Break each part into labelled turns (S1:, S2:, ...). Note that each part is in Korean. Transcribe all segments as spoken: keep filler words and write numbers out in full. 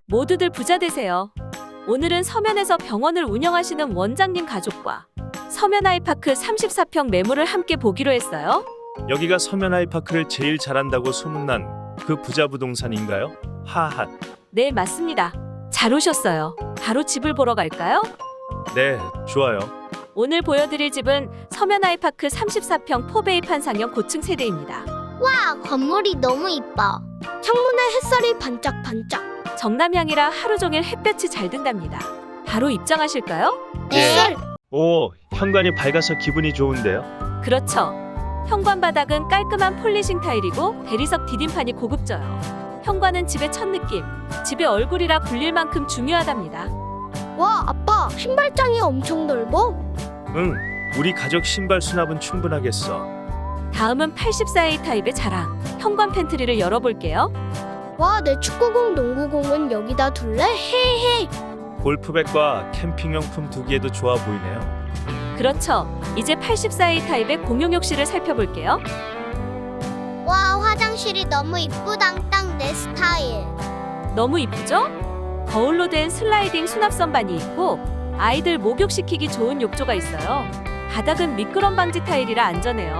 S1: 모두들 부자 되세요. 오늘은 서면에서 병원을 운영하시는 원장님 가족과 서면 아이파크 삼십사 평 매물을 함께 보기로 했어요.
S2: 여기가 서면 아이파크를 제일 잘한다고 소문난 그 부자 부동산인가요? 하하.
S1: 네, 맞습니다. 잘 오셨어요. 바로 집을 보러 갈까요?
S2: 네, 좋아요.
S1: 오늘 보여드릴 집은 서면 아이파크 삼십사 평 포베이 판상형 고층 세대입니다.
S3: 와, 건물이 너무 이뻐.
S4: 창문에 햇살이 반짝반짝.
S1: 정남향이라 하루 종일 햇볕이 잘 든답니다. 바로 입장하실까요?
S3: 네.
S2: 오, 현관이 밝아서 기분이 좋은데요?
S1: 그렇죠. 현관 바닥은 깔끔한 폴리싱 타일이고 대리석 디딤판이 고급져요. 현관은 집의 첫 느낌, 집의 얼굴이라 불릴 만큼 중요하답니다.
S4: 와, 아빠, 신발장이 엄청 넓어.
S2: 응, 우리 가족 신발 수납은 충분하겠어.
S1: 다음은 팔십사 에이 타입의 자랑, 현관 팬트리를 열어볼게요.
S4: 와, 내 축구공, 농구공은 여기다 둘래? 헤헤.
S2: 골프백과 캠핑용품 두기에도 좋아 보이네요.
S1: 그렇죠. 이제 팔십사 에이 타입의 공용 욕실을 살펴볼게요.
S3: 와, 화장실이 너무 이쁘당. 딱 내 스타일.
S1: 너무 이쁘죠? 거울로 된 슬라이딩 수납 선반이 있고 아이들 목욕시키기 좋은 욕조가 있어요. 바닥은 미끄럼 방지 타일이라 안전해요.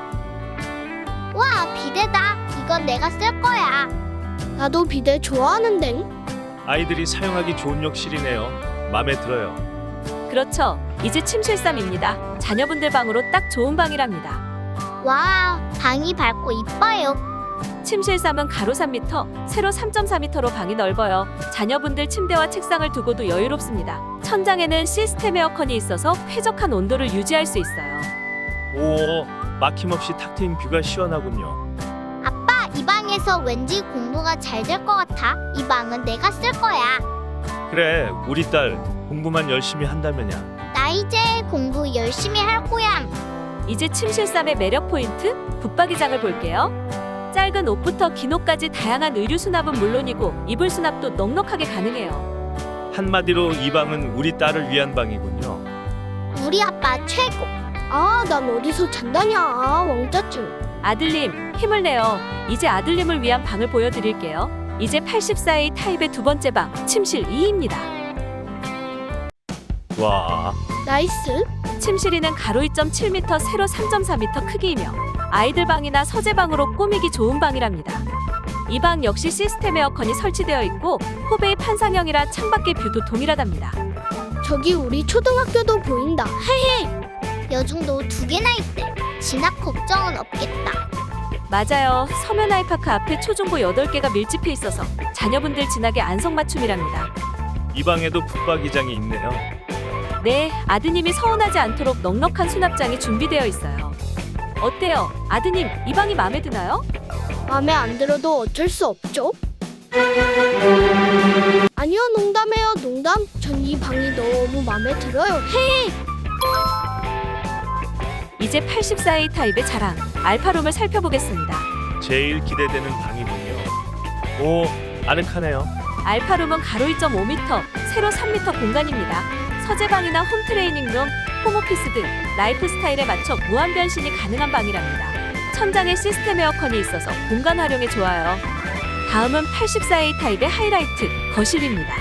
S3: 와, 비데다. 이건 내가 쓸 거야.
S4: 나도 비데 좋아하는데.
S2: 아이들이 사용하기 좋은 욕실이네요. 마음에 들어요.
S1: 그렇죠. 이제 침실삼입니다. 자녀분들 방으로 딱 좋은 방이랍니다.
S3: 와, 방이 밝고 이뻐요.
S1: 침실삼은 가로 삼 미터, 세로 삼 점 사 미터로 방이 넓어요. 자녀분들 침대와 책상을 두고도 여유롭습니다. 천장에는 시스템 에어컨이 있어서 쾌적한 온도를 유지할 수 있어요.
S2: 오, 막힘없이 탁 트인 뷰가 시원하군요.
S3: 아빠, 이 방에서 왠지 공부가 잘 될 것 같아. 이 방은 내가 쓸 거야.
S2: 그래, 우리 딸 공부만 열심히 한다면야.
S3: 나 이제 공부 열심히 할 거야.
S1: 이제 침실삼의 매력 포인트, 붙박이장을 볼게요. 짧은 옷부터 긴 옷까지 다양한 의류 수납은 물론이고 이불 수납도 넉넉하게 가능해요.
S2: 한마디로 이 방은 우리 딸을 위한 방이군요.
S3: 우리 아빠 최고.
S4: 아, 난 어디서 잔다냐. 아, 왕짜증.
S1: 아들님, 힘을 내요. 이제 아들님을 위한 방을 보여드릴게요. 이제 팔십사 에이 타입의 두 번째 방, 침실 이입니다.
S2: 와,
S4: 나이스.
S1: 침실 이는 가로 이 점 칠 미터, 세로 삼 점 사 미터 크기이며 아이들 방이나 서재방으로 꾸미기 좋은 방이랍니다. 이 방 역시 시스템 에어컨이 설치되어 있고 포베이 판상형이라 창밖의 뷰도 동일하답니다.
S4: 저기 우리 초등학교도 보인다. 헤헤.
S3: 여중도 두 개나 있대. 진학 걱정은 없겠다.
S1: 맞아요. 서면 아이파크 앞에 초중고 여덟 개가 밀집해 있어서 자녀분들 진학에 안성맞춤이랍니다.
S2: 이 방에도 붙박이장이 있네요.
S1: 네, 아드님이 서운하지 않도록 넉넉한 수납장이 준비되어 있어요. 어때요? 아드님, 이 방이 마음에 드나요?
S4: 마음에 안 들어도 어쩔 수 없죠. 아니요, 농담해요, 농담. 전 이 방이 너무 마음에 들어요. 헤헤.
S1: 이제 팔십사 에이 타입의 자랑, 알파룸을 살펴보겠습니다.
S2: 제일 기대되는 방이군요. 오, 아늑하네요.
S1: 알파룸은 가로 이 점 오 미터, 세로 삼 미터 공간입니다. 서재방이나 홈트레이닝룸, 홈오피스 등 라이프 스타일에 맞춰 무한 변신이 가능한 방이랍니다. 천장에 시스템 에어컨이 있어서 공간 활용에 좋아요. 다음은 팔십사 에이 타입의 하이라이트, 거실입니다.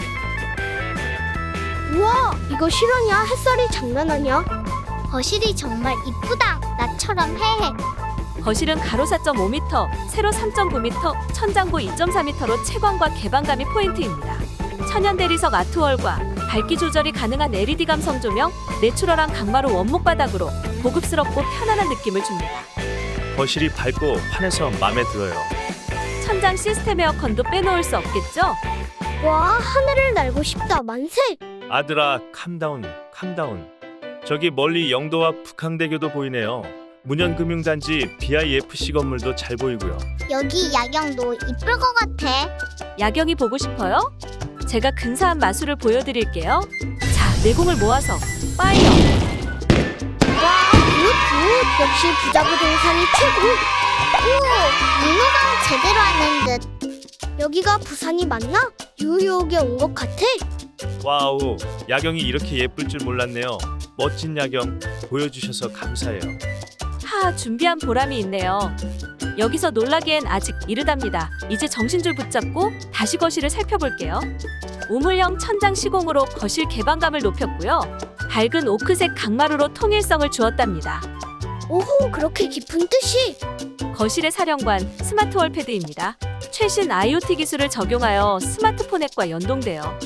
S4: 우와, 이거 실화냐? 햇살이 장난 아니야?
S3: 거실이 정말 이쁘다. 나처럼 헤헤.
S1: 거실은 가로 사 점 오 미터, 세로 삼 점 구 미터, 천장고 이 점 사 미터로 채광과 개방감이 포인트입니다. 천연 대리석 아트월과 밝기 조절이 가능한 엘이디 감성 조명, 내추럴한 강마루 원목 바닥으로 고급스럽고 편안한 느낌을 줍니다.
S2: 거실이 밝고 환해서 마음에 들어요.
S1: 천장 시스템 에어컨도 빼놓을 수 없겠죠?
S4: 와, 하늘을 날고 싶다. 만세.
S2: 아들아, 캄다운, 캄다운. 저기 멀리 영도와 북항대교도 보이네요. 문현금융단지 비아이에프씨 건물도 잘 보이고요.
S3: 여기 야경도 이쁠 것 같아.
S1: 야경이 보고 싶어요? 제가 근사한 마술을 보여드릴게요. 자, 내공을 모아서 파이어!
S4: 와, 굿굿. 역시 부자 부동산이 최고.
S3: 오, 윤호강 제대로 하는 듯.
S4: 여기가 부산이 맞나? 뉴욕에 온 것 같아.
S2: 와우, 야경이 이렇게 예쁠 줄 몰랐네요. 멋진 야경 보여주셔서 감사해요.
S1: 하, 준비한 보람이 있네요. 여기서 놀라기엔 아직 이르답니다. 이제 정신줄 붙잡고 다시 거실을 살펴볼게요. 우물형 천장 시공으로 거실 개방감을 높였고요. 밝은 오크색 강마루로 통일성을 주었답니다.
S4: 오호, 그렇게 깊은 뜻이.
S1: 거실의 사령관 스마트 월패드입니다. 최신 아이오티 기술을 적용하여 스마트폰 앱과 연동돼요.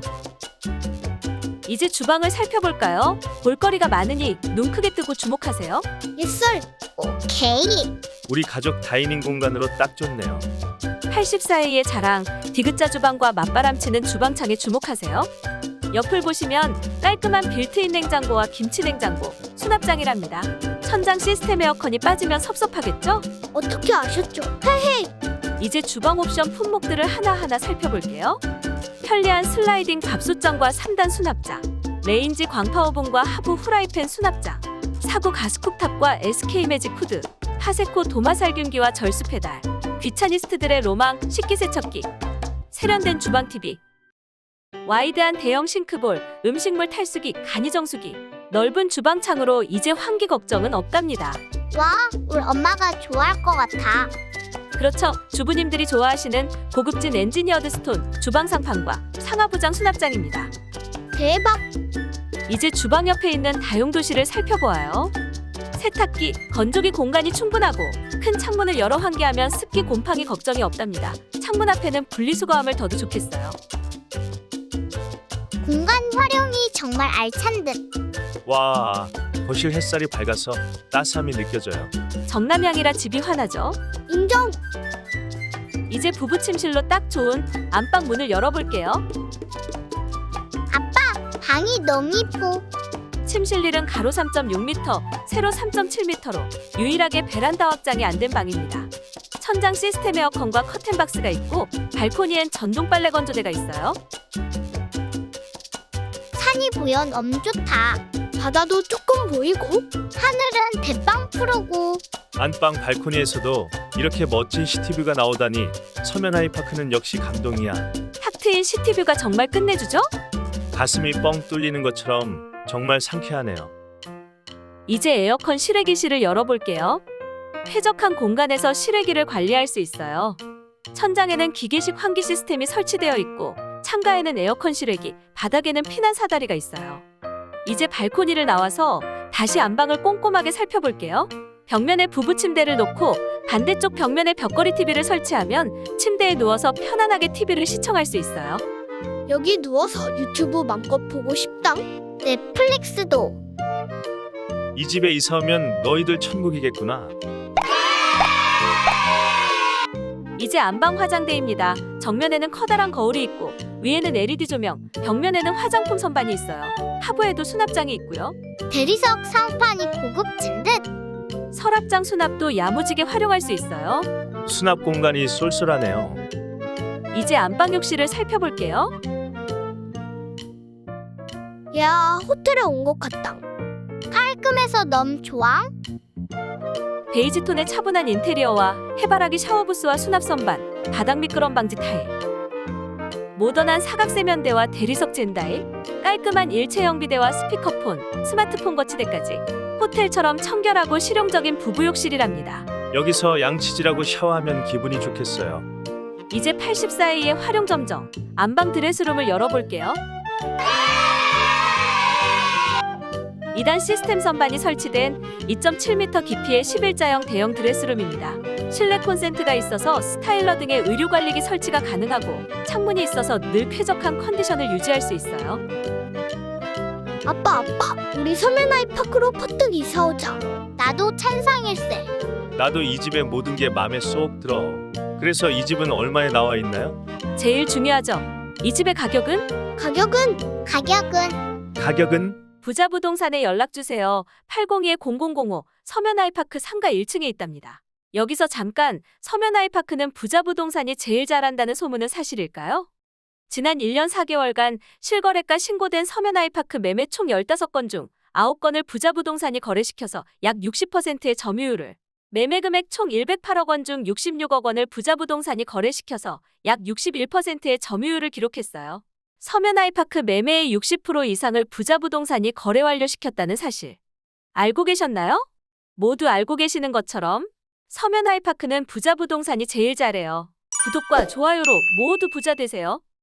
S1: 이제 주방을 살펴볼까요? 볼거리가 많으니 눈 크게 뜨고 주목하세요.
S4: 예썰.
S3: 오케이.
S2: 우리 가족 다이닝 공간으로 딱 좋네요.
S1: 팔십사 에이의 자랑 디귿자 주방과 맞바람치는 주방창에 주목하세요. 옆을 보시면 깔끔한 빌트인 냉장고와 김치 냉장고, 수납장이랍니다. 천장 시스템 에어컨이 빠지면 섭섭하겠죠?
S4: 어떻게 아셨죠? 헤헤.
S1: 이제 주방 옵션 품목들을 하나하나 살펴볼게요. 편리한 슬라이딩 밥솥장과 삼 단 수납장, 레인지 광파오븐과 하부 후라이팬 수납장, 사구 가스쿡탑과 에스케이 매직 후드, 파세코 도마살균기와 절수 페달, 귀차니스트들의 로망 식기세척기, 세련된 주방 티비, 와이드한 대형 싱크볼, 음식물 탈수기, 간이정수기, 넓은 주방창으로 이제 환기 걱정은 없답니다.
S3: 와, 우리 엄마가 좋아할 것 같아.
S1: 그렇죠. 주부님들이 좋아하시는 고급진 엔지니어드 스톤 주방 상판과 상하부장 수납장입니다.
S4: 대박.
S1: 이제 주방 옆에 있는 다용도실을 살펴보아요. 세탁기, 건조기 공간이 충분하고 큰 창문을 열어 환기하면 습기 곰팡이 걱정이 없답니다. 창문 앞에는 분리수거함을 둬도 좋겠어요.
S3: 공간 활용이 정말 알찬 듯.
S2: 와, 거실 햇살이 밝아서 따스함이 느껴져요.
S1: 정남향이라 집이 환하죠.
S4: 인정.
S1: 이제 부부 침실로 딱 좋은 안방 문을 열어볼게요.
S3: 방이 너무 이뻐.
S1: 침실일은 가로 삼 점 육 미터, 세로 삼 점 칠 미터로 유일하게 베란다 확장이 안 된 방입니다. 천장 시스템 에어컨과 커튼박스가 있고 발코니엔 전동 빨래 건조대가 있어요.
S3: 산이 보여 너무 좋다.
S4: 바다도 조금 보이고.
S3: 하늘은 대빵 푸르고.
S2: 안방 발코니에서도 이렇게 멋진 시티뷰가 나오다니 서면 아이파크는 역시 감동이야.
S1: 탁 트인 시티뷰가 정말 끝내주죠?
S2: 가슴이 뻥 뚫리는 것처럼 정말 상쾌하네요.
S1: 이제 에어컨 실외기실을 열어볼게요. 쾌적한 공간에서 실외기를 관리할 수 있어요. 천장에는 기계식 환기 시스템이 설치되어 있고 창가에는 에어컨 실외기, 바닥에는 피난 사다리가 있어요. 이제 발코니를 나와서 다시 안방을 꼼꼼하게 살펴볼게요. 벽면에 부부 침대를 놓고 반대쪽 벽면에 벽걸이 티비를 설치하면 침대에 누워서 편안하게 티비를 시청할 수 있어요.
S4: 여기 누워서 유튜브 맘껏 보고 싶다.
S3: 넷플릭스도.
S2: 이 집에 이사 오면 너희들 천국이겠구나.
S1: 이제 안방 화장대입니다. 정면에는 커다란 거울이 있고 위에는 엘이디 조명, 벽면에는 화장품 선반이 있어요. 하부에도 수납장이 있고요.
S3: 대리석 상판이 고급진 듯.
S1: 서랍장 수납도 야무지게 활용할 수 있어요.
S2: 수납 공간이 쏠쏠하네요.
S1: 이제 안방 욕실을 살펴볼게요.
S4: 야, 호텔에 온 것 같다.
S3: 깔끔해서 너무 좋아.
S1: 베이지 톤의 차분한 인테리어와 해바라기 샤워부스와 수납 선반, 바닥 미끄럼 방지 타일, 모던한 사각 세면대와 대리석 젠다일, 깔끔한 일체형 비대와 스피커폰, 스마트폰 거치대까지 호텔처럼 청결하고 실용적인 부부 욕실이랍니다.
S2: 여기서 양치질하고 샤워하면 기분이 좋겠어요.
S1: 이제 팔십사 에이의 활용 점정, 안방 드레스룸을 열어볼게요. 이 단 시스템 선반이 설치된 이 점 칠 미터 깊이의 십일자형 대형 드레스룸입니다. 실내 콘센트가 있어서 스타일러 등의 의류 관리기 설치가 가능하고 창문이 있어서 늘 쾌적한 컨디션을 유지할 수 있어요.
S4: 아빠, 아빠, 우리 서면 아이파크로 퍼뜩 이사 오자.
S3: 나도 찬성일세.
S2: 나도 이 집의 모든 게 마음에 쏙 들어. 그래서 이 집은 얼마에 나와 있나요?
S1: 제일 중요하죠. 이 집의 가격은?
S4: 가격은?
S3: 가격은
S2: 가격은?
S1: 부자 부동산에 연락 주세요. 팔공이 공공공오 서면 아이파크 상가 일 층에 있답니다. 여기서 잠깐, 서면 아이파크는 부자 부동산이 제일 잘한다는 소문은 사실일까요? 지난 일 년 사 개월간 실거래가 신고된 서면 아이파크 매매 총 열다섯 건 중 아홉 건을 부자 부동산이 거래시켜서 약 육십 퍼센트의 점유율을, 매매 금액 총 백팔억 원 중 육십육억 원을 부자 부동산이 거래시켜서 약 육십일 퍼센트의 점유율을 기록했어요. 서면 아이파크 매매의 육십 퍼센트 이상을 부자 부동산이 거래 완료시켰다는 사실 알고 계셨나요? 모두 알고 계시는 것처럼 서면 아이파크는 부자 부동산이 제일 잘해요. 구독과 좋아요로 모두 부자 되세요.